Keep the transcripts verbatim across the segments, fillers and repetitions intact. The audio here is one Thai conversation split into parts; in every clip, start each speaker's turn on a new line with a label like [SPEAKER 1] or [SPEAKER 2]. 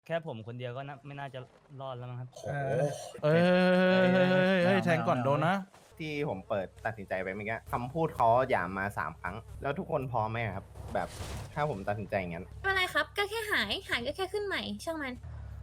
[SPEAKER 1] แค่ผมคนเดียวก็น่าไม่น่าจะรอดแล้วมั้งครับ
[SPEAKER 2] เออ
[SPEAKER 3] เอ้ยเฮ้ยเฮ้ยเฮ้ยแทงก่อนโดนนะ
[SPEAKER 4] ที่ผมเปิดตัดสินใจไปเมื่อกี้คำพูดเขาหยามมาสามครั้ง แล้วทุกคนพร้อมไหมครับ แบบถ้าผมตัดสินใจอย่างนั้น
[SPEAKER 5] ไม่เป็นไรครับ ก็แค่หาย หายก็แค่ขึ้นใหม่ ช่างมัน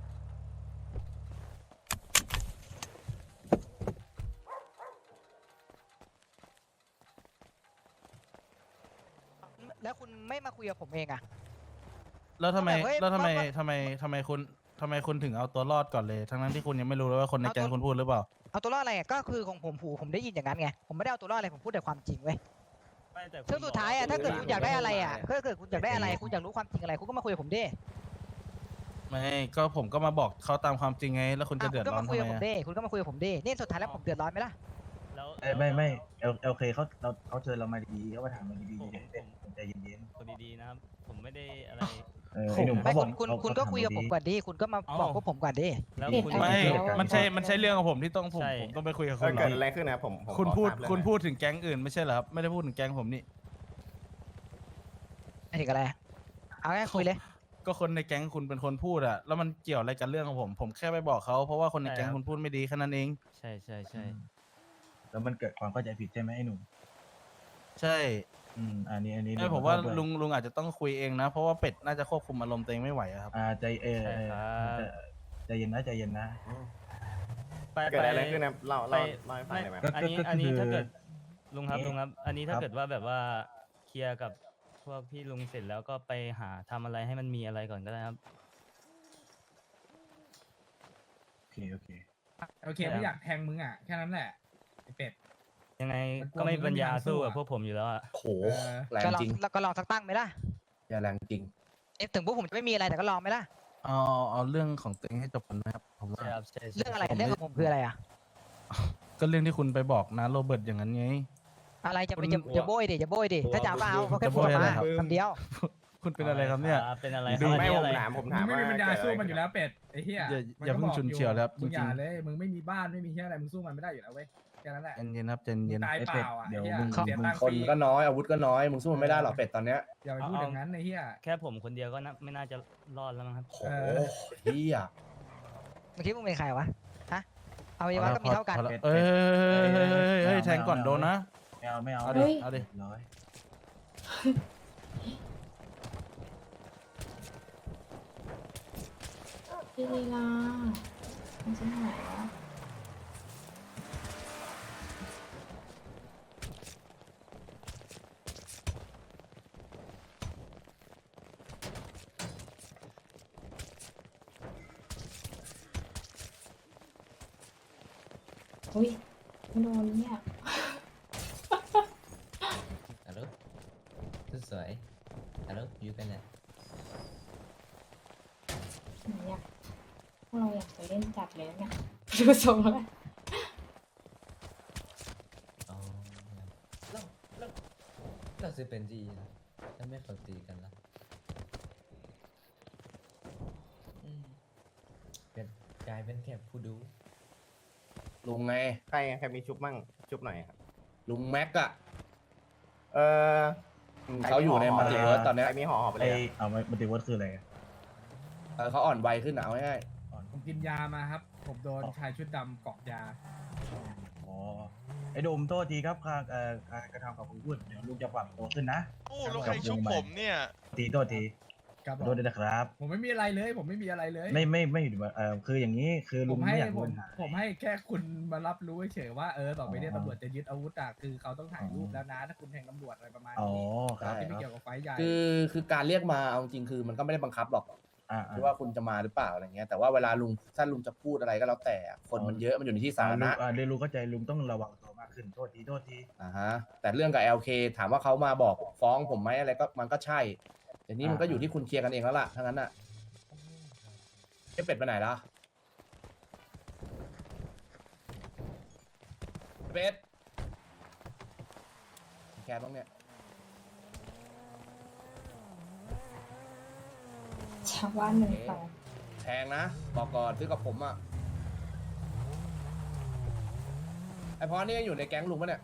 [SPEAKER 6] แล้วคุณไม่มาคุยกับผมเองอะ
[SPEAKER 3] แล้วทำไม
[SPEAKER 6] แบบเฮ้ย
[SPEAKER 3] แล้วทำไม
[SPEAKER 6] ว่า
[SPEAKER 3] ทำไมทำไมคุณทำไมคุณถึงเอาตัวรอดก่อนเลย ทั้งนั้นที่คุณยังไม่รู้เลยว่าคนในแก๊งคุณพูดหรือเปล่า
[SPEAKER 6] เอาตัวรอดอะไรอะก็คือของผมผูผมได้ยินอย่างนั้นไง ผมไม่ได้เอาตัวรอดอะไรผมพูดแต่ความจริงเว้ย
[SPEAKER 1] ไม่แต่คุณ
[SPEAKER 6] ซึ่งสุดท้ายอะ
[SPEAKER 1] บ
[SPEAKER 6] ถ้าเกิด
[SPEAKER 1] ว่
[SPEAKER 6] คุณอยากได้อะไรอะถ้าเกิดคุณอยากได้อะไรคุณอยากรู้ความจริงอะไรคุณก็มาคุยกับผมดิ
[SPEAKER 3] ไม่ก็ผมก็มาบอกเขาตามความจริงไง แล้วคุณจะ
[SPEAKER 6] อ่ะ
[SPEAKER 3] เดื
[SPEAKER 6] คุ
[SPEAKER 3] อด
[SPEAKER 6] ณก็
[SPEAKER 3] ร้อ
[SPEAKER 6] มาน คุย
[SPEAKER 3] ทำ
[SPEAKER 6] กับ
[SPEAKER 3] ไม
[SPEAKER 6] ผม
[SPEAKER 3] อะ
[SPEAKER 6] ดิคุณก็มาคุยกับผมดินี่สุดท้ายแล้วผมเดือดร้อนไหมล่ะ
[SPEAKER 1] แล้ว
[SPEAKER 2] เอ้ยไม่ไม่เอลเอลเคเขาเราเขาเชิญเรามาดีๆเขามาถามเราดีๆเฉยๆเป็นใจเย็น
[SPEAKER 1] คนดีๆนะครับ ผมไม่ได้อะไร
[SPEAKER 2] ๆเออไอ้หนุ่ม
[SPEAKER 6] ไม่
[SPEAKER 2] เขาบ
[SPEAKER 6] คุ
[SPEAKER 2] อก
[SPEAKER 6] ณคุณ
[SPEAKER 2] เขา
[SPEAKER 6] คุณก็คุยกับผม
[SPEAKER 2] เขาถา
[SPEAKER 6] ก่อนดิคุณก็มา
[SPEAKER 1] เอ้า
[SPEAKER 6] บอกพวกผมก่อนดิ
[SPEAKER 1] แล้ว
[SPEAKER 7] เด็ด
[SPEAKER 1] คุณ
[SPEAKER 7] อะไร
[SPEAKER 3] ไม่
[SPEAKER 7] แล้ว
[SPEAKER 3] มันใช่มันใช่เรื่องของผมที่ต้องผม
[SPEAKER 1] ใช่
[SPEAKER 3] ผมต้องไปคุยกับ
[SPEAKER 4] เอ
[SPEAKER 3] คุ
[SPEAKER 4] อ
[SPEAKER 3] ณเหร
[SPEAKER 4] เกิ
[SPEAKER 3] อ
[SPEAKER 4] ดอะไรขึ้นนะครับผมผม
[SPEAKER 3] คุณ
[SPEAKER 4] ขอ
[SPEAKER 3] พูด
[SPEAKER 4] ทราบเรื่อง
[SPEAKER 3] คุณ
[SPEAKER 4] หน่อย
[SPEAKER 3] พูดถึงแก๊งอื่นไม่ใช่เหรอครับ ไม่ได้พูดถึงแก๊งผมนี่
[SPEAKER 6] ไอ้ถึงอะไรเอาแค่คุยเลย
[SPEAKER 3] ก็คนในแก๊งคุณเป็นคนพูดอะแล้วมันเกี่ยวอะไรกับเรื่องของผม ผมแค่ไปบอกเขาเพราะว่าคนในแก๊งคุณพูดไม่ดีแค่นั้นเอง
[SPEAKER 1] ใช่ใช่ใช่
[SPEAKER 2] แล้วมันเกิดความเข้าใจผิดใช่ไหมไอ้หนุ่ม
[SPEAKER 3] ใช่
[SPEAKER 2] อืมอันนี้อันนี้
[SPEAKER 3] ไม่ผมว่า
[SPEAKER 2] ขอโทษด้วย
[SPEAKER 3] ลุงลุงอาจจะต้องคุยเองนะ เพราะว่าเป็ดน่าจะควบคุมอารมณ์ตัวเองไม่ไหวอะครับ
[SPEAKER 2] อ่าใจเออ
[SPEAKER 1] ใช่
[SPEAKER 2] เออ
[SPEAKER 1] ครับ
[SPEAKER 2] ใจใจเย็นนะใจเย็นนะ
[SPEAKER 1] ไป
[SPEAKER 4] เกิดอะไร
[SPEAKER 1] ป
[SPEAKER 4] ขึ้นนะครับเล่า
[SPEAKER 1] ไป
[SPEAKER 4] เล่าเล่าให้ฟัง
[SPEAKER 1] ไม่
[SPEAKER 4] ได้ไหม
[SPEAKER 2] ก็
[SPEAKER 1] อันนี้
[SPEAKER 2] ก็
[SPEAKER 1] อันนี้
[SPEAKER 2] คือ
[SPEAKER 1] ถ้าเกิดลุงครับ
[SPEAKER 2] เอ๊ะ
[SPEAKER 1] ลุงครับ อันนี้ถ้า
[SPEAKER 2] ครับ
[SPEAKER 1] เกิดว่าแบบว่าเคลียร์กับพวกพี่ลุงเสร็จแล้วก็ไปหาทำอะไรให้มันมีอะไรก่อนก็ได้ครับ
[SPEAKER 2] โอเคโอเค
[SPEAKER 8] โอเคไม่อยากแทงมึงอ่ะ แค่นั้นแหละไอเป็ด
[SPEAKER 1] ยังไง
[SPEAKER 8] มันกลัว
[SPEAKER 1] ก็ไม่
[SPEAKER 8] มึงไม่
[SPEAKER 1] ปัญ
[SPEAKER 8] มี
[SPEAKER 1] ญา
[SPEAKER 8] ทางสู้
[SPEAKER 1] สู้กับ
[SPEAKER 8] อะ
[SPEAKER 1] พวกผมอยู่แล้วอะ
[SPEAKER 4] โห
[SPEAKER 8] เออ
[SPEAKER 4] แรง
[SPEAKER 6] ก็ลอง
[SPEAKER 4] จริง
[SPEAKER 6] ก็ลองสักตั้งไหมล่ะ
[SPEAKER 4] อย่าแรงจริง
[SPEAKER 6] เอ๊ะถึงพวกผมจะไม่มีอะไรแต่ก็ลองไหมล่ะ
[SPEAKER 3] เอาเอาเรื่องของตัวเองให้จบกันนะครับผมว่า
[SPEAKER 1] ใช่ครับใช่ใช่
[SPEAKER 6] เรื่องอะไร
[SPEAKER 3] ผมไม่
[SPEAKER 6] เรื่องของผมคืออะไรอะ
[SPEAKER 3] ก็เรื่องที่คุณไปบอกนะโรเบิร์ตอย่างนั้นไง
[SPEAKER 6] อะไรจะ
[SPEAKER 3] คุ
[SPEAKER 6] ไป
[SPEAKER 3] ณ
[SPEAKER 6] จะจะโบยดิจะโบยดิถ้าจะเอาก็เอาเขาแค่
[SPEAKER 3] จะ
[SPEAKER 6] พู
[SPEAKER 3] โบ
[SPEAKER 6] ด
[SPEAKER 3] ย
[SPEAKER 6] ออก
[SPEAKER 3] อะไร
[SPEAKER 6] มา
[SPEAKER 3] ครับ
[SPEAKER 6] คำเดียว
[SPEAKER 3] คุณเป็นอะไรครับเนี่ย
[SPEAKER 1] อ่าเป็นอะไร
[SPEAKER 3] ดู
[SPEAKER 1] ครับ
[SPEAKER 4] ไม่
[SPEAKER 1] อัน
[SPEAKER 4] ผ
[SPEAKER 1] นี้
[SPEAKER 4] ม
[SPEAKER 1] อะไร
[SPEAKER 4] ถามผม
[SPEAKER 8] มึ
[SPEAKER 4] ถาง ม
[SPEAKER 8] ไม่
[SPEAKER 4] ว่า
[SPEAKER 8] มีปัญญา
[SPEAKER 4] เกิด
[SPEAKER 8] สู้
[SPEAKER 4] อะไร
[SPEAKER 8] มันอยู่แล้วเป็ดไอ้เหี้ย
[SPEAKER 3] อย่า
[SPEAKER 8] มัน
[SPEAKER 3] อย่า
[SPEAKER 8] ก็
[SPEAKER 3] เพิ่ง
[SPEAKER 8] บก
[SPEAKER 3] ฉุนเฉียวเลยครับ
[SPEAKER 8] มึงอย่า
[SPEAKER 3] จริงๆ
[SPEAKER 8] เลย มึงไม่มีบ้านไม่มีเหี้ยอะไร มึงสู้มันไม่ได้อยู่แล้วเว้ย แค่นั้นแหละ
[SPEAKER 3] ใจเย็นครับใจ
[SPEAKER 8] มึ
[SPEAKER 3] เย็
[SPEAKER 8] ง
[SPEAKER 3] น
[SPEAKER 8] ตาย
[SPEAKER 2] ไอ้
[SPEAKER 8] เป
[SPEAKER 2] เป็ด
[SPEAKER 8] ล่าอ่ะ
[SPEAKER 2] เดี๋ยว
[SPEAKER 8] ไอ้เหี้ย
[SPEAKER 2] มึง
[SPEAKER 8] เสีย
[SPEAKER 2] มึง
[SPEAKER 8] ตังค์
[SPEAKER 4] ค
[SPEAKER 8] ฟ
[SPEAKER 4] น
[SPEAKER 8] รี
[SPEAKER 4] ก็น้อยอาวุธก็น้อยมึงสู้มันไม่ได้หรอกเป็ดตอนเนี้ย
[SPEAKER 8] อย่าไปพูดอย่างนั้นไอ้เหี้ย
[SPEAKER 1] แค่ผมคนเดียวก็น่าไม่น่าจะรอดแล้วมั้งครับ
[SPEAKER 4] โห
[SPEAKER 8] เออ
[SPEAKER 4] เฮีย
[SPEAKER 6] เมื่อกี้มึงเป็นใครวะ ฮะ เอาไว้ว่าก็มีเท่ากัน
[SPEAKER 3] พอแล้วเอ้ยเฮ้ยเฮ้ยเฮ้ยเฮ้ยแทงก่อนโดนนะ
[SPEAKER 2] ไม่เอาไม่เอา
[SPEAKER 3] เอาดิเอาดิ
[SPEAKER 2] ร้อย
[SPEAKER 7] พี่ลีลามันจะหายวะอุ้ยโดนเนี่ย
[SPEAKER 9] ฮัลโหลสุดสวยฮัลโหลอยู่กันเนี่ย
[SPEAKER 7] หนูอยากพวกเราอยากไปเล่นจัดเลยเนี่ยดูทรงแล้ว
[SPEAKER 9] อ๋อเราเราเราจะเป็นจีนะถ้าไม่เขาตีกันละอืมเป็นกลายเป็นแค่ผู้ดู
[SPEAKER 4] ลุงไงใครใครมีชุบมั่งชุบหน่อยครับ
[SPEAKER 10] ลุงแม็กอะ
[SPEAKER 4] เออ
[SPEAKER 10] เขาอยู่ในมัลติเวิร์สตอนเนี้ย
[SPEAKER 4] ใครมีห่อห่อไปเล
[SPEAKER 2] ไอ้
[SPEAKER 4] ยอะ
[SPEAKER 2] เอามัลติเวิร์สคืออะไรอะ
[SPEAKER 10] เออเขาอ่อนวัยขึ้นอะเอาง่าย
[SPEAKER 8] ผมกินยามาครับ ผมโดนชายชุดดำเกาะยา
[SPEAKER 2] อ๋อไอ้โดมโทษทีครับการเอ่อการกระทำกับคุณพูดเดี๋ยวลุงจะปรับตัวขึ้นนะ
[SPEAKER 11] โอ้ลูกใครชุบผมเนี่ย
[SPEAKER 2] ทีโทษที
[SPEAKER 8] ครับ
[SPEAKER 2] ขอโทษด้วยนะครับ
[SPEAKER 8] ผมไม่มีอะไรเลย ผมไม่มีอะไรเลย
[SPEAKER 2] ไม่ไม่ไม่เอ่อคืออย่างนี้คือ
[SPEAKER 8] ผ
[SPEAKER 2] ลุง
[SPEAKER 8] มให้
[SPEAKER 2] ไม่อยาก
[SPEAKER 8] ผ
[SPEAKER 2] มี
[SPEAKER 8] ม
[SPEAKER 2] ปัญหา
[SPEAKER 8] ผมให้แค่คุณมารับรู้เฉยๆว่าเออต่อไปเนี้
[SPEAKER 2] อ๋อ
[SPEAKER 8] ตำรวจจะยึดอาวุธอะคือเขาต้องถ่ายรูป
[SPEAKER 2] อ๋อ
[SPEAKER 8] แล้วนะถ้าคุณแทงตำรวจอะไรประมาณ
[SPEAKER 2] อ๋อ
[SPEAKER 8] นี้
[SPEAKER 2] ครับ
[SPEAKER 8] ที่ไม่เกี่ยวกับไฟท์ใหญ่
[SPEAKER 10] ๆคือคือการเรียกมาเอาจริงคือมันก็ไม่ได้บังคับหรอก
[SPEAKER 2] อ่า
[SPEAKER 10] ที่ว่าคุณจะมาหรือเปล่าอะไรเงี้ยแต่ว่าเวลาลุงถ้าลุงจะพูดอะไรก็แล้วแต่อะคนมันเยอะมันอยู่ในที่สาธารณะ
[SPEAKER 2] อ่าเรียนรู้เข้าใจลุงต้องระวังตัวมากขึ้นโทษทีโทษที
[SPEAKER 10] อ่าฮะแต่เรื่องกับ แอล เค ถามว่าเขามาบอกฟ้องผมไหมอะไรก็มันก็ใช่แต่นี้มันก็อยู่ที่คุณเคลียร์กันเองแล้วล่ะทั้งนั้นอะไอ้เป็ดไปไหนล่ะเป็ดแคร์บ้างเนี่ย
[SPEAKER 7] ชาวบ้านหนึ่งสอง
[SPEAKER 10] แพงนะบอกก่อนซื้อกับผมอ่ะไอพอนี่ยังอยู่ในแก๊งลุงปะเนี่ย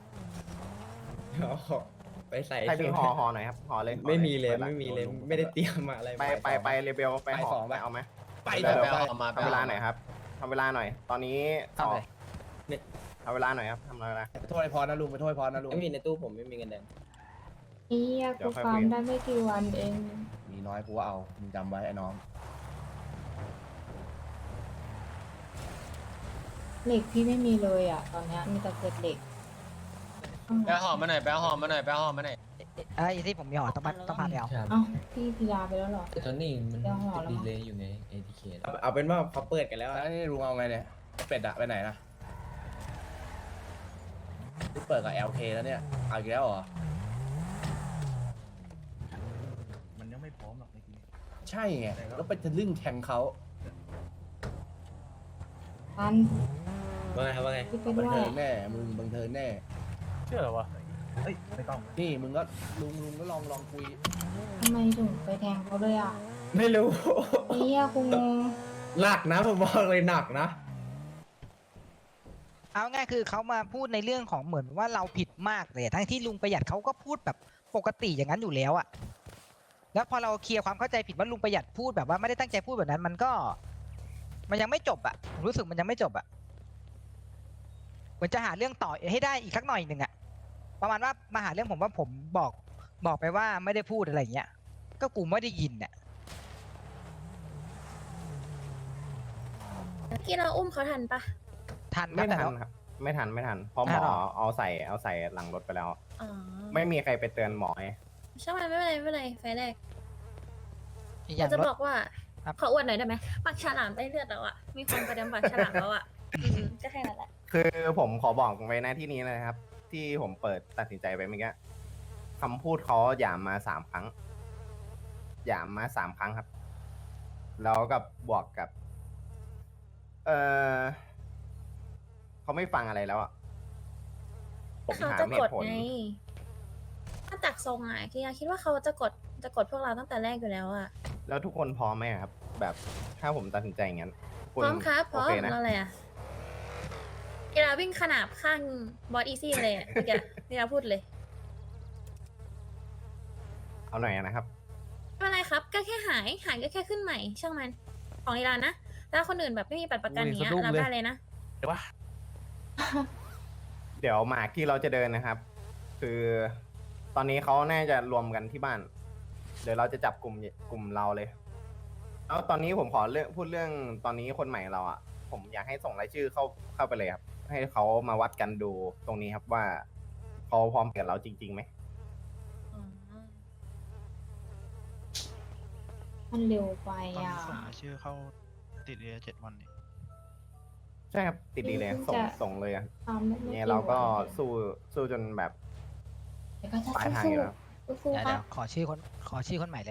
[SPEAKER 4] ไปใส่ใครมีห่อห่อหน่อยครับห่อเลยห่อ
[SPEAKER 9] ไม่มีเลย
[SPEAKER 4] ปิด
[SPEAKER 9] ไม่มีเลย
[SPEAKER 4] ดู
[SPEAKER 9] ไม่ได้เตรียมมาอะไร
[SPEAKER 4] ไปไปไปเรเบลไป
[SPEAKER 10] ไป
[SPEAKER 4] ห่
[SPEAKER 10] ส
[SPEAKER 4] อ
[SPEAKER 10] อง
[SPEAKER 4] ไป
[SPEAKER 10] ไป
[SPEAKER 4] เอาไหม
[SPEAKER 10] ไป
[SPEAKER 4] เดี๋ยว
[SPEAKER 10] เถ
[SPEAKER 4] เดี๋ยว
[SPEAKER 10] อะ
[SPEAKER 4] ทำเวลาหน่อยครับทำเวลาหน่อย ตอนนี้
[SPEAKER 6] ทำเลย
[SPEAKER 4] เนี่ยทำเวลาหน่อยครับทำเวลา
[SPEAKER 10] ไปโทษไอ้พรนะลุงไปโทษไอ้พรนะลุง
[SPEAKER 9] ไม่มีในตู้ผมไม่มีเงินแดง
[SPEAKER 7] เฮีย
[SPEAKER 4] เดี๋
[SPEAKER 7] กู
[SPEAKER 4] ยวค่อย
[SPEAKER 7] ฟาร์ม
[SPEAKER 4] คุย
[SPEAKER 7] ได้ไม่กี่วันเอง
[SPEAKER 10] มีน้อยกูว่าเอามึงจำไว้ไอ้น้อง
[SPEAKER 7] เหล็กพี่ไม่มีเลยอ่ะ ตอนเนี้ยมีแต่เศษเหล็ก
[SPEAKER 9] แปลหอมมาหน่อยแปลหอมมาหน่อยแปลหอมมาหน่อย
[SPEAKER 6] ไอ้ที่ผมมีห่อต้องมาต้องพาไปเอา
[SPEAKER 7] เอ้าพี่พิยาไปแล้วเหรอ
[SPEAKER 9] ตอนนี้มัน
[SPEAKER 7] เดี๋ยวห่อแล้วมั้ง
[SPEAKER 9] ดีเลยอยู่ไง เอ ที เค
[SPEAKER 11] เอาเป็นว่าเขาเปิดกันแล้ว
[SPEAKER 10] แล้วนี่ลุงเอาไงเนี่ยเป็ดอะไปไหนนะนี่เปิดกับ แอล เค แล้วเนี่ยเอาอีกแล้วเหรอ
[SPEAKER 2] มันยังไม่พร้อมหรอกเมื่อกี้
[SPEAKER 10] ใช่ไงแล้วไปทะลึ่งแทงเขา
[SPEAKER 7] ทัน
[SPEAKER 11] ว่าไงครับว่าไง
[SPEAKER 7] พี่ไป
[SPEAKER 10] บั
[SPEAKER 7] ด้
[SPEAKER 10] น
[SPEAKER 7] ว
[SPEAKER 10] เทิ
[SPEAKER 7] ย
[SPEAKER 10] งแน่มึงบันเทิงแน่
[SPEAKER 1] เชื่อเหรอวะ
[SPEAKER 2] เอ้ยไม่ต้อง
[SPEAKER 10] นี่มึงก็ลุงลุงก็ลองลองคุย
[SPEAKER 7] ทำไมถึงไปแทงเขาเลยอ่ะ
[SPEAKER 11] ไม่รู้
[SPEAKER 7] เฮียกูงง
[SPEAKER 11] หนักนะผมบอกเลยหนักนะ
[SPEAKER 6] เอาง่ายคือเขามาพูดในเรื่องของเหมือนว่าเราผิดมากเลยทั้งที่ลุงประหยัดเขาก็พูดแบบปกติอย่างนั้นอยู่แล้วอะแล้วพอเราเคลียร์ความเข้าใจผิดว่าลุงประหยัดพูดแบบว่าไม่ได้ตั้งใจพูดแบบนั้น มันก็ มันยังไม่จบอะผมรู้สึกมันยังไม่จบอะเหมือนจะหาเรื่องต่อให้ได้อีกสักหน่อยหนึ่งอะประมาณว่ามาหาเรื่องผมว่าผมบอกบอกไปว่าไม่ได้พูดอะไรอย่างเงี้ยก็กูไม่ได้ยินอะ
[SPEAKER 5] ที่เราอุ้มเขาทันปะ
[SPEAKER 6] ทัน
[SPEAKER 4] ไม่
[SPEAKER 6] แต่
[SPEAKER 4] ทัน
[SPEAKER 6] เรา
[SPEAKER 4] ครับ ไม่ทันไม่ทันเพราะหม
[SPEAKER 6] ทั
[SPEAKER 4] อน
[SPEAKER 6] เหรอ
[SPEAKER 4] เอาใส่เอาใส่หลังรถไปแล้ว
[SPEAKER 5] อ๋อ
[SPEAKER 4] ไม่มีใครไปเตือนหมอไง
[SPEAKER 5] ช่างมันไม่เป็นไรไม่เป็นไรไฟแรก
[SPEAKER 6] อีกอ
[SPEAKER 5] เรา
[SPEAKER 6] ย่าง
[SPEAKER 5] จะ
[SPEAKER 6] รถ
[SPEAKER 5] บอกว่า
[SPEAKER 6] ครับ
[SPEAKER 5] ขออวดหน่อยได้ไหมปากฉลามได้เลือดแล้วอ่ะ มีคนประเดิมปากฉลามแล้วอ่ะอืมก็แค่นั้นแหละ
[SPEAKER 4] คือผมขอบอกไว้หน้าที่นี้เลยนะครับ ที่ผมเปิดตัดสินใจไปเมื่อกี้คำพูดเขาหยามมาสามครั้งหยามมาสามครั้งครับ แล้วกับบวกกับ เออเขาไม่ฟังอะไรแล้วอ่ะผม
[SPEAKER 5] เขา
[SPEAKER 4] หา
[SPEAKER 5] จะ
[SPEAKER 4] เห
[SPEAKER 5] กด
[SPEAKER 4] ตุผล
[SPEAKER 5] ไงถ้าจากทรงอ่ะคิดคิดว่าเขาจะกดจะกดพวกเราตั้งแต่แรกอยู่แล้วอ่ะ
[SPEAKER 4] แล้วทุกคนพร้อมไหมอะครับ แบบถ้าผมตัดสินใจอย่างนั้น
[SPEAKER 5] พร้อมครับพ
[SPEAKER 4] โอ
[SPEAKER 5] ร้อม
[SPEAKER 4] เคนะ
[SPEAKER 5] แล้วอะไรอ่ะเวลาวิ่งขนาบข้างบอสอีซี่เลยอ่ะเมื่อกี้นี่เราพูดเลย
[SPEAKER 4] เอาหน่อยนะครับ
[SPEAKER 5] ไม่เป็นไรครับ ก็แค่หายหายก็แค่ขึ้นใหม่ ช่างมันของอีรานนะถ้าคนอื่นแบบไม่มีบัตรประกันอย่างเงี้ย
[SPEAKER 3] อุ้ยสะดุ้ง
[SPEAKER 5] รับ
[SPEAKER 3] เลย
[SPEAKER 5] ได้เลยนะ
[SPEAKER 3] เดี๋ยววะ
[SPEAKER 4] เดี๋ยวหมากที่เราจะเดินนะครับ คือตอนนี้เขาน่าจะรวมกันที่บ้าน เดี๋ยวเราจะจับกลุ่มกลุ่มเราเลย แล้วตอนนี้ผมขอเรื่องพูดเรื่องตอนนี้คนใหม่เราอ่ะ ผมอยากให้ส่งรายชื่อเข้าเข้าไปเลยครับ ให้เขามาวัดกันดูตรงนี้ครับว่าเขาพร้อมเปลี่ยนเราจริงๆไหม
[SPEAKER 5] อ๋อ
[SPEAKER 7] มันเร็วไปอ่ะ
[SPEAKER 3] ชื่อเข้าติดเรียเจ็ดวันนี่
[SPEAKER 4] ใช่ครับติดดีเลย
[SPEAKER 7] เพิ่ง
[SPEAKER 4] ส่ง
[SPEAKER 7] จะ
[SPEAKER 4] ส่งเลยอ่ะ
[SPEAKER 7] ทำไม่ไม่
[SPEAKER 4] เนี่ยเราก็
[SPEAKER 7] กี่วัน
[SPEAKER 4] สู้สู้จนแบบ
[SPEAKER 7] เดี๋ยวก็จะ
[SPEAKER 4] ปลายทาง
[SPEAKER 7] สู้
[SPEAKER 4] อยู่แล้ว
[SPEAKER 7] ๆสู้
[SPEAKER 6] เดี๋ยว
[SPEAKER 7] ๆครั
[SPEAKER 6] เดี๋ย
[SPEAKER 7] บ
[SPEAKER 6] วขอชื่อคนขอชื่อคนใหม่เลย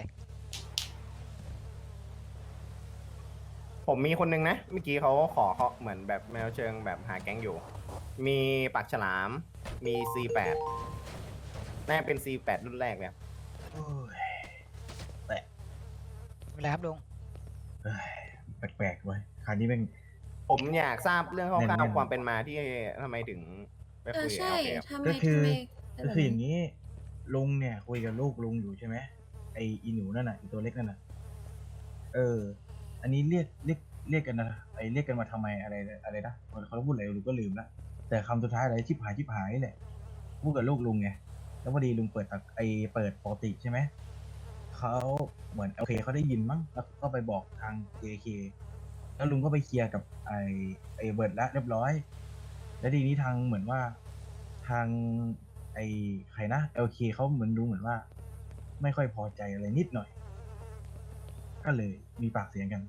[SPEAKER 4] ผมมีคนนึงนะ เมื่อกี้เขาขอเขาเหมือนแบบแมวเชิงแบบหาแก๊งอยู่ มีปากฉลาม มี ซี แปด น่าเป็น ซี แปด รุ่นแรกเลยครับ
[SPEAKER 2] โอ้ย
[SPEAKER 6] เป็นไรครับลุง
[SPEAKER 2] เอ้ยแปลกๆเว้ยคราวนี้แม่ง
[SPEAKER 4] ผมอยากทราบเรื่องค
[SPEAKER 2] แน่
[SPEAKER 4] ร่าวน
[SPEAKER 2] ๆ
[SPEAKER 4] ๆความเป็นมาที่ทำไมถึงไป
[SPEAKER 5] เอ
[SPEAKER 4] คุ
[SPEAKER 5] อย
[SPEAKER 4] กับ
[SPEAKER 5] ใช่
[SPEAKER 4] เอลเคครับ
[SPEAKER 5] ทำไม
[SPEAKER 2] ก็คือ
[SPEAKER 5] ทำไม
[SPEAKER 2] ก็คืออย่างนี้ ลุงเนี่ย คุยกับลูกลุงอยู่ใช่ไหมไออีหนูนั่นน่ะอีตัวเล็กนั่นน่ะ เออ อันนี้เรียกเรียกเรียกกันนะไอเรียกกันมาทำไมอะไรอะไรนะเขาพูดอะไรลุงก็ลืมละแต่คำสุดท้ายอะไรชิบหายชิบหายนี่แหละพูดกับลูกลุงไงแล้วพอดีลุงเปิดตักไอเปิดปกติใช่ไหมเขาเหมือนโอเคเขาได้ยินมั้งแล้วก็ไปบอกทาง เจ เค แล้วลุงก็ไปเคลียร์กับไอไอเบิร์ดละเรียบร้อย แล้วทีนี้ทางเหมือนว่าทางไอใครนะ เอล เค เขาเหมือนดูเหมือนว่า ไม่ค่อยพอใจอะไรนิดหน่อย ก็เลยมีปากเสียงกัน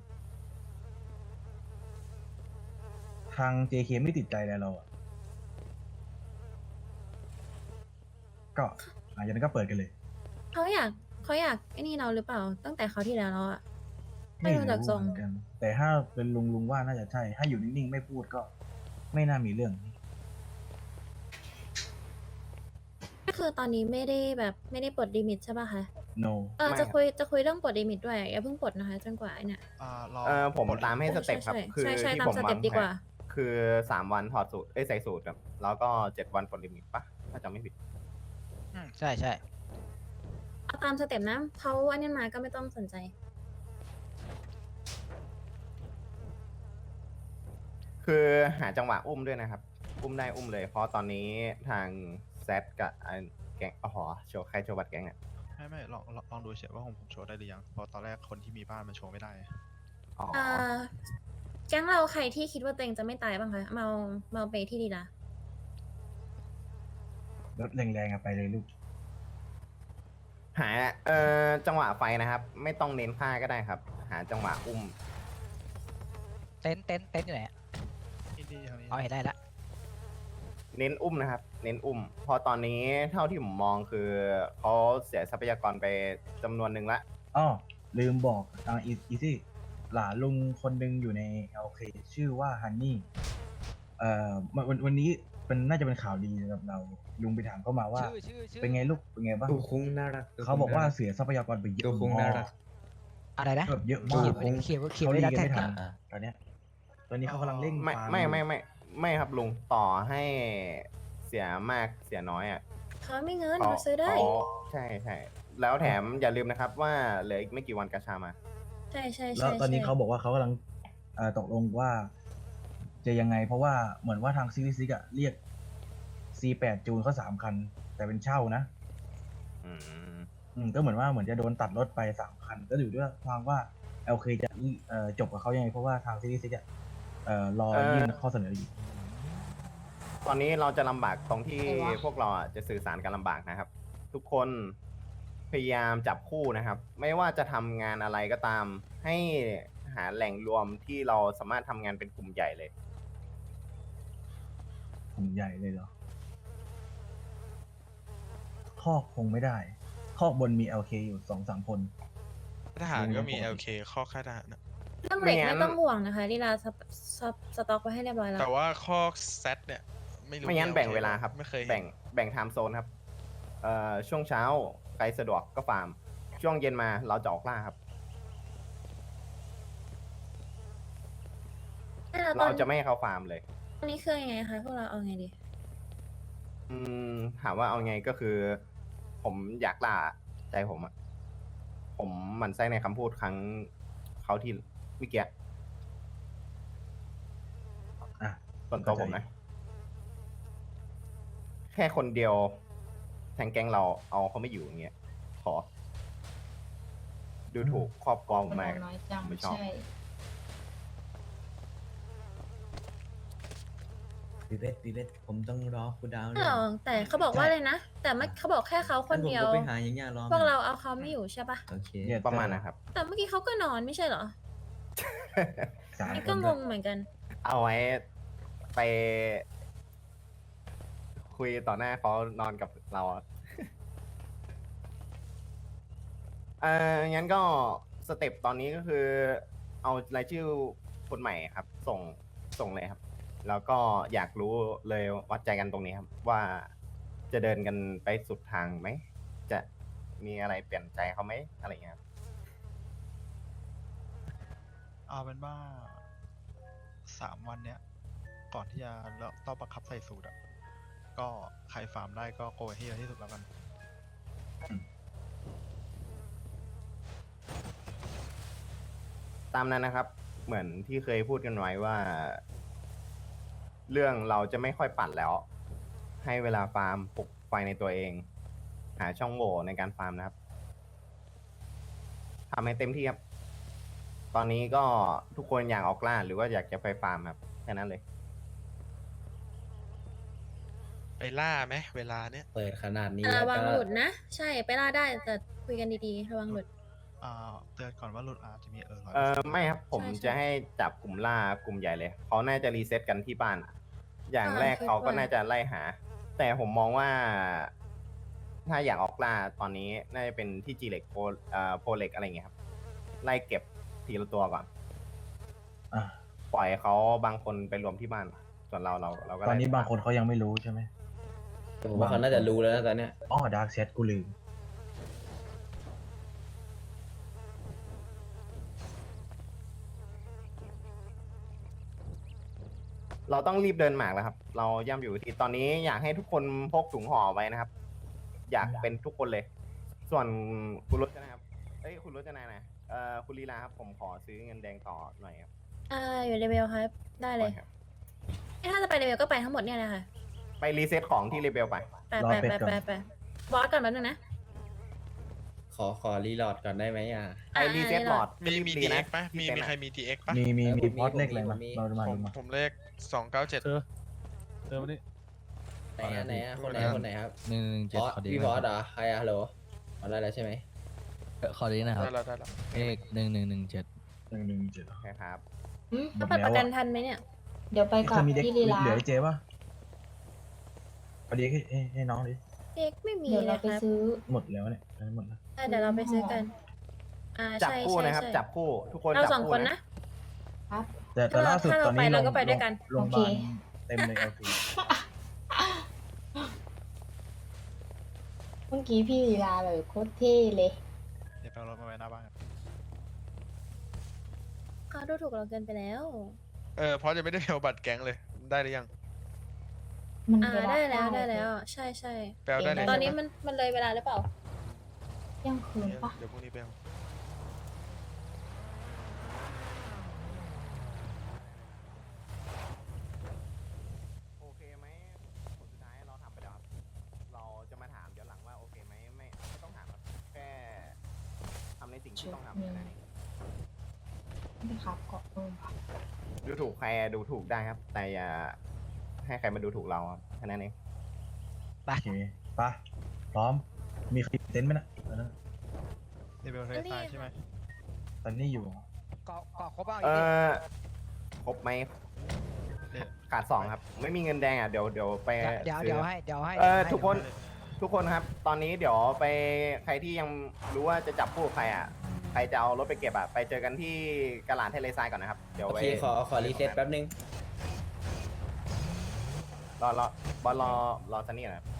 [SPEAKER 2] ทาง เจ เค ไม่ติดใจอะไรเราอะก็หลังจากนั้นก็เปิดกันเลย
[SPEAKER 5] เขาอยากเขาอยากไอ้นี่เราหรือเปล่า ตั้งแต่เขาวที่แล้วแล้วอ่ะ ไม่รู้จักทรง
[SPEAKER 2] เหมือนกัน แต่ถ้าเป็นลุงลุงว่าน่าจะใช่ ถ้าอยู่นิ่งๆไม่พูดก็ไม่น่ามีเรื่อง
[SPEAKER 5] ก็คือตอนนี้ไม่ได้แบบไม่ได้ปลดลิมิตใช่ป่ะคะ
[SPEAKER 2] no
[SPEAKER 5] เออจะคุยจะคุยเรื่องปลดลิมิตด้วยอย่าเพิ่งปลดนะคะจนกว่าไอ้เนี่ย
[SPEAKER 4] เออผมตามให้สเต็ปครับ
[SPEAKER 5] ใช่
[SPEAKER 4] คือ
[SPEAKER 5] ใช่ใช่
[SPEAKER 4] ที่
[SPEAKER 5] ตาม
[SPEAKER 4] ผม
[SPEAKER 5] ส
[SPEAKER 4] วา
[SPEAKER 5] เต็
[SPEAKER 4] ง
[SPEAKER 5] ปดีกว่า
[SPEAKER 4] แผนคือสามวันถอดสูตร เอ้ยใส่สูตรครับ แล้วก็เจ็ดวันปลดลิมิตปะถ้าจำไม่ผิด
[SPEAKER 6] อืมใช่ใช่
[SPEAKER 5] เอาตามสเต็ปนะเขาอันนี้มาก็ไม่ต้องสนใจ
[SPEAKER 4] คือหาจังหวะอุ้มด้วยนะครับ อุ้มได้อุ้มเลย เพราะตอนนี้ทางแซดกับไอ้แก๊งอ๋อโชว์ใครโชว์บัตรแก๊งเนี่ย
[SPEAKER 12] ไม่ไม่ลองลองลองดูเฉยว่าผมผมโชว์ได้หรือยัง เพราะตอนแรกคนที่มีบ้านมันโชว์ไม่ได้
[SPEAKER 4] อ๋อ
[SPEAKER 5] อ่าแก๊งเราใครที่คิดว่าตัวเองจะไม่ตายบ้างคะเมาเมาไปที่ดีละ
[SPEAKER 2] รถแรงๆอะไปเลยลูก
[SPEAKER 4] หาเอ่อจังหวะไฟนะครับ ไม่ต้องเน้นฆ่าก็ได้ครับ หาจังหวะอุ้ม
[SPEAKER 6] เต็นท์เต็นท์เต็นท์อยู่ไหนอะ
[SPEAKER 12] นี่นี่ทางนี้
[SPEAKER 6] อ๋อเห็นได้ละ
[SPEAKER 4] เน้นอุ้มนะครับ เน้นอุ้ม เพราะตอนนี้เท่าที่ผมมองคือเขาเสียทรัพยากรไปจำนวนหนึ่งละ
[SPEAKER 2] อ้อลืมบอกทางอีซี่หลานลุงคนหนึ่งอยู่ใน แอล เค ชื่อว่าฮันนี่เอ่อวันวันวันนี้เป็นน่าจะเป็นข่าวดีสำหรับเราลุงไปถามเขามาว่า
[SPEAKER 6] ชื่อชื่อชื่อ
[SPEAKER 2] เป็นไงลูกเป็นไงบ้าง
[SPEAKER 11] ตัวคุ้งน่ารัก
[SPEAKER 2] เขาบอกว่าเสียทรัพยากรไปเยอะ
[SPEAKER 11] ตัวคุ้งน่ารัก
[SPEAKER 6] อะไรนะ
[SPEAKER 2] แบบเยอะ
[SPEAKER 6] เขี
[SPEAKER 2] มาย ก
[SPEAKER 6] นไว้เขียนไว้เขียน
[SPEAKER 2] เขา
[SPEAKER 6] ไว้
[SPEAKER 2] รี
[SPEAKER 6] แล้ว
[SPEAKER 2] กัน
[SPEAKER 6] แท็ก
[SPEAKER 2] ไม่ทัน
[SPEAKER 6] อะ
[SPEAKER 2] ตอนเนี้ยตอนนี้เขากำลังเร่ง
[SPEAKER 4] ไม่
[SPEAKER 2] ฟาร์
[SPEAKER 4] ไม่
[SPEAKER 2] อยู่
[SPEAKER 4] ไม่ไม่ไม่ครับลุงต่อให้เสียมากเสียน้อยอ่ะ
[SPEAKER 5] เขาไม่เงิน
[SPEAKER 4] เขา
[SPEAKER 5] เขาซื้อได้
[SPEAKER 4] เขาใช่ใช่แล้วแถมอย่าลืมนะครับว่าเหลืออีกไม่กี่วันกาชามา
[SPEAKER 5] ใช่ใช่
[SPEAKER 2] แล้
[SPEAKER 5] ใช่
[SPEAKER 2] วตอนนี้
[SPEAKER 5] ใช่
[SPEAKER 2] เขาบอกว่าเขากำลังเอ่อตกลงว่า จะยังไง เพราะว่าเหมือนว่าทางซีรีส์ซิกอะเรียก ซี แปด จูนเขาสามคัน แต่เป็นเช่านะ
[SPEAKER 4] อืม
[SPEAKER 2] อืมก็เหมือนว่าเหมือนจะโดนตัดรถไปสามคัน ก็อยู่ด้วยทางว่า แอล เค จะเอ่อจบกับเขายังไง เพราะว่าทางซีรีส์ซิกอะเอ่อรอ
[SPEAKER 4] เอ่อ
[SPEAKER 2] ยื่นข้อเสนออยู่
[SPEAKER 4] ตอนนี้เราจะลำบากตรงที่พวกเราอ่ะจะสื่อสารกันลำบากนะครับ ทุกคนพยายามจับคู่นะครับ ไม่ว่าจะทำงานอะไรก็ตาม ให้หาแหล่งรวมที่เราสามารถทำงานเป็นกลุ่มใหญ่เลย
[SPEAKER 2] กลุ่มใหญ่เลยเหรอคอกคงไม่ได้คอกบนมี แอล เค อยู่สองสามคน
[SPEAKER 12] ทหารก็มี
[SPEAKER 2] ปกติ
[SPEAKER 12] แอล เค ข้อค่ายทหารนะ
[SPEAKER 5] เรื่องเหล็ก
[SPEAKER 4] ไม่งั้น
[SPEAKER 5] ไม่ต้องห่วงนะคะลีลาสตสตสต็อกไว้ให้เรียบร้อยแล้ว
[SPEAKER 12] แต่ว่าข้อแซดเนี่ย ไม่รู้
[SPEAKER 4] ไม่งั้น
[SPEAKER 12] มี
[SPEAKER 4] แบ่ง
[SPEAKER 12] LK
[SPEAKER 4] เวลาครับ
[SPEAKER 12] ไม่เคยเห็น
[SPEAKER 4] แบ่งแบ่งไทม์โซนครับ เอ่อช่วงเช้าใครสะดวกก็ฟาร์ม ช่วงเย็นมาเราจะออกล่าครับ
[SPEAKER 5] ให้เราตอ
[SPEAKER 4] เรา
[SPEAKER 5] น
[SPEAKER 4] จะไม่ให้เขาฟาร์มเลย
[SPEAKER 5] ตอนนี้คือยังไงคะพวกเราเอาไงดี
[SPEAKER 4] อืมถามว่าเอาไงก็คือ ผมอยากล่าใจผมอะผมหมันไส้ในคำพูดครั้งเขาที่เมื่อกี้
[SPEAKER 2] อ่ะ
[SPEAKER 4] ส่วนตัวผมนะ แค่คนเดียวแทงแก๊งเราเอาเขาไม่อยู่อย่างเงี้ยขอ ดูถูกครอบครองผมมาก
[SPEAKER 7] น้อยจัง
[SPEAKER 4] ไม่ชอบ
[SPEAKER 7] ใช่
[SPEAKER 11] ปีเบสปีเบสผมต้องรอคุณดาว
[SPEAKER 5] ไม่หรอกแต่เขาบอกว่าเลยนะ แต่ไม่เขาบอกแค่เขาคนเดียว
[SPEAKER 11] ผมก็ไปหาอย่างเงี้ยรอ
[SPEAKER 5] พวกเราเอาเขาไม่อยู่ใช่ปะ
[SPEAKER 11] โอเค
[SPEAKER 2] เนี่ย
[SPEAKER 4] ประมาณนะครับ
[SPEAKER 5] แต่เมื่อกี้เขาก็นอนไม่ใช่เหรอ
[SPEAKER 2] สาม
[SPEAKER 5] นี่
[SPEAKER 2] ค
[SPEAKER 5] ก็
[SPEAKER 2] น
[SPEAKER 5] ง
[SPEAKER 2] ด้วย
[SPEAKER 5] งเหมือนกัน
[SPEAKER 4] เอาไว้ไป คุยต่อหน้าเขานอนกับเราอะ เอ่องั้นก็สเต็ปตอนนี้ก็คือ เอารายชื่อคนใหม่ครับ ส่งส่งเลยครับ แล้วก็อยากรู้เลยวัดใจกันตรงนี้ครับ ว่าจะเดินกันไปสุดทางไหม จะมีอะไรเปลี่ยนใจเขาไหมอะไรอย่างเงี้ยครับ
[SPEAKER 12] เอาเป็นว่าสามวันเนี้ย ก่อนที่จะเราต้องประคับใส่สูตรอ่ะ ก็ใครฟาร์มได้ก็โกยให้เยอะที่สุดแล้วกัน
[SPEAKER 4] ตามนั้นนะครับ เหมือนที่เคยพูดกันไว้ว่า เรื่องเราจะไม่ค่อยปั่นแล้ว ให้เวลาฟาร์มปลุกไฟในตัวเอง หาช่องโหว่ในการฟาร์มนะครับทำให้เต็มที่ครับ ตอนนี้ก็ทุกคนอยากออกล่าหรือว่าอยากจะไปฟาร์มครับแค่นั้นเลย
[SPEAKER 12] ไปล่าไหมเวลาเนี้ย
[SPEAKER 11] เปิดขนาดนี้
[SPEAKER 5] แต่
[SPEAKER 11] แล้ว
[SPEAKER 5] ระวัง
[SPEAKER 11] ก็
[SPEAKER 5] หลุดนะ ใช่ไปล่าได้แต่คุยกันดีๆ ระวังหลุด
[SPEAKER 12] อ่าเตือนก่อนว่าหลุดอาจจะมีเออร้อย
[SPEAKER 4] เออไม่ครับ ผม
[SPEAKER 5] ใช่ใช่
[SPEAKER 4] จะให้จับกลุ่มล่ากลุ่มใหญ่เลย เขาน่าจะรีเซ็ตกันที่บ้าน อย่าง
[SPEAKER 5] อ่า
[SPEAKER 4] แรก
[SPEAKER 5] คิด
[SPEAKER 4] เขาก็
[SPEAKER 5] ว่า
[SPEAKER 4] น่าจะไล่หา แต่ผมมองว่า ถ้าอยากออกล่าตอนนี้น่าจะเป็นที่จีเล็กโพเอ่อโพเล็กอะไรอย่างเงี้ยครับ ไล่เก็บทีละตัวก่อน
[SPEAKER 2] อ่ะ
[SPEAKER 4] ปล่อยเขาบางคนไปรวมที่บ้าน ส่วนเราเราเราก็
[SPEAKER 2] ตอนนี้
[SPEAKER 4] ไล่
[SPEAKER 2] บางคนเขายังไม่รู้ใช่ไหม
[SPEAKER 11] ผมว่าเขาน่าจะรู้แล้วนะตอนเนี้ย
[SPEAKER 2] อ้อดาร์กแชทกูลืม
[SPEAKER 4] เราต้องรีบเดินหมากแล้วครับ เราย่ำอยู่ที่ตอนนี้อยากให้ทุกคนพกถุงห่อไว้นะครับ อยากเป็นทุกคนเลย ส่วนคุณรจนาครับเอ้ยคุณรจนานะเอ่อคุณลีลาครับผมขอซื้อเงินแดงต่อหน่อยครับ
[SPEAKER 5] อ่าอยู่เลเวลครับ ได้เลย
[SPEAKER 4] ครับ
[SPEAKER 5] ถ้าจะไปเลเวลก็ไปทั้งหมดเนี่ยแหละค่ะ
[SPEAKER 4] ไปรีเซ็ตของที่เลเบลไป
[SPEAKER 5] ไปไปไปไปไปบอสก่อนแป๊บนึงนะ
[SPEAKER 11] ขอขอรีโหลดก่อนได้ไหมอ่ะ
[SPEAKER 4] ไปรีเซ็ตหลอด
[SPEAKER 12] มีมี
[SPEAKER 4] รี
[SPEAKER 12] ดี
[SPEAKER 4] บ
[SPEAKER 12] เอ็
[SPEAKER 4] นะ
[SPEAKER 12] กปะมี
[SPEAKER 4] ที่เป็น
[SPEAKER 12] มี
[SPEAKER 4] อะ
[SPEAKER 12] ใครมีดีเอ็กปะ
[SPEAKER 2] มีมี
[SPEAKER 11] เออ
[SPEAKER 2] มี
[SPEAKER 11] ผมมี
[SPEAKER 2] พอดเลข
[SPEAKER 11] ผมมี
[SPEAKER 2] อะไรมา
[SPEAKER 11] ผมมี
[SPEAKER 2] เรามา
[SPEAKER 12] ผ
[SPEAKER 2] ดู
[SPEAKER 12] ม
[SPEAKER 2] มา
[SPEAKER 12] ผมเลขสองเก้าเจ็ด
[SPEAKER 3] เธอเธอมานี่
[SPEAKER 11] ไหนอะไหนอะคนไหน
[SPEAKER 12] ครับ
[SPEAKER 11] คนไหนครับ
[SPEAKER 3] หนึ่งหนึ่ง
[SPEAKER 11] บ
[SPEAKER 3] เจ็ด
[SPEAKER 11] อส
[SPEAKER 3] ขอดี
[SPEAKER 11] พี่บอสเหรอใครอะฮัลโหลขอได้แล้วใช่ไหม
[SPEAKER 3] ขอดีนะครับ
[SPEAKER 12] ได้แล้วได้แล้ว
[SPEAKER 3] เลขหนึ่งหนึ่งหนึ่งเจ็ด
[SPEAKER 2] หนึ่งหนึ่งเจ็ด
[SPEAKER 4] โอเคครับ
[SPEAKER 7] อืม
[SPEAKER 2] หม
[SPEAKER 5] ถ้า
[SPEAKER 2] ด
[SPEAKER 5] ไป
[SPEAKER 2] แล้
[SPEAKER 5] ประ
[SPEAKER 2] ว
[SPEAKER 5] กัน
[SPEAKER 2] อะ
[SPEAKER 5] ทันไหมเนี่ย
[SPEAKER 7] เดี๋ยวไปก่อน
[SPEAKER 2] เธอมีเด็ก
[SPEAKER 7] ที่ลีลา
[SPEAKER 2] เหลือให้เจ๊ป่ะพอดีให้ให้ให้น้องดิ
[SPEAKER 5] เด็กไม่มี
[SPEAKER 7] เดี๋ยว
[SPEAKER 5] เล
[SPEAKER 7] เรา
[SPEAKER 5] ย
[SPEAKER 7] ไป
[SPEAKER 5] ครับ
[SPEAKER 7] ซื้อ
[SPEAKER 2] หมดแล้วเนี่ยหมดแล้ว
[SPEAKER 5] อ่ะเดี๋ยวเราไปซื้อกัน อ่า
[SPEAKER 4] จับ
[SPEAKER 5] ใช่
[SPEAKER 4] คู่
[SPEAKER 5] ใช่
[SPEAKER 4] นะครับ
[SPEAKER 5] ใช่
[SPEAKER 4] จับคู่ทุกคน
[SPEAKER 5] เรา
[SPEAKER 4] จับ
[SPEAKER 5] สอง
[SPEAKER 4] คู่
[SPEAKER 5] คน
[SPEAKER 4] นะ
[SPEAKER 5] นะ
[SPEAKER 7] ครับ
[SPEAKER 2] แต่แต่ล่าสุด
[SPEAKER 5] ถ้าเรา
[SPEAKER 2] ตอนนี้
[SPEAKER 5] ไปเราก็
[SPEAKER 2] โรง
[SPEAKER 5] ไปด้วยกัน
[SPEAKER 2] โรงพยาบาล
[SPEAKER 7] โอเค
[SPEAKER 2] เต็มเลยเอลซี
[SPEAKER 7] เมื่อกี้พี่ลีลาเลยโคตรเท่เลย
[SPEAKER 12] เดี๋ยวไปเอารถมาไว้หน้าบ้านครับ
[SPEAKER 5] เขาดูถูกเราเกินไปแล้ว
[SPEAKER 12] เออเพราะจะไม่ได้เอาบัตรแก๊งเลยได้หรือยัง
[SPEAKER 7] มัน
[SPEAKER 5] อ่า
[SPEAKER 7] เวลา
[SPEAKER 5] ได้แล้ว
[SPEAKER 7] เก้า
[SPEAKER 5] ได้แล้ว ใช่ใช่
[SPEAKER 12] ไปเอาได้เลย
[SPEAKER 5] ตอนนี้
[SPEAKER 12] ใช่ไหม
[SPEAKER 5] มันมันเลยเวลาหรือเปล่า
[SPEAKER 7] เที่ยงคืนปะ
[SPEAKER 12] เดี๋ยวพรุ่งนี้ไปเอา
[SPEAKER 4] โอเคไหมผลสุดท้ายเราทำไปแล้วครับเราจะมาถามเดี๋ยวหลังว่าโอเคไหมไม่ไม่ต้องถามครับแค่ทำในสิ่งที่ต้องทำแค่นั้นเอง
[SPEAKER 7] ไม่ครับเกาะเพิ่มค่ะ
[SPEAKER 4] ดูถูกใครอะดูถูกได้ครับ แต่อย่าให้ใครมาดูถูกเราครับแค่นั้นเอง
[SPEAKER 2] โอเคไปพร้อมมีใครเต็นท์ไหมนะตอนนั้น
[SPEAKER 12] เดี๋ยวไปเอาทะเลทรายใช่ไหม
[SPEAKER 2] ตอนนี้อยู่
[SPEAKER 6] เกาะเกาะครบเอา
[SPEAKER 4] เอ
[SPEAKER 6] อีกที
[SPEAKER 4] อครบไหมขาดสองครับ ไม่มีเงินแดงอ่ะเดี๋ยวเดี๋ยวไป
[SPEAKER 6] เดี๋ยว
[SPEAKER 4] ซื้
[SPEAKER 6] เดี๋ยวให้เดี๋ยวให้
[SPEAKER 4] เออ
[SPEAKER 6] ให้
[SPEAKER 4] ทุกคนทุกคนครับ ตอนนี้เดี๋ยวไปใครที่ยังรู้ว่าจะจับคู่กับใครอ่ะใครจะเอารถไปเก็บอ่ะไปเจอกันที่กระหลานทะเลทรายก่อนนะครับเดี๋ยว
[SPEAKER 11] โอ
[SPEAKER 4] ไป
[SPEAKER 11] เคขอขอรีเซ็ตแป๊บนึง
[SPEAKER 4] รอรอบอลรอรอซันนี่หน่อยครับ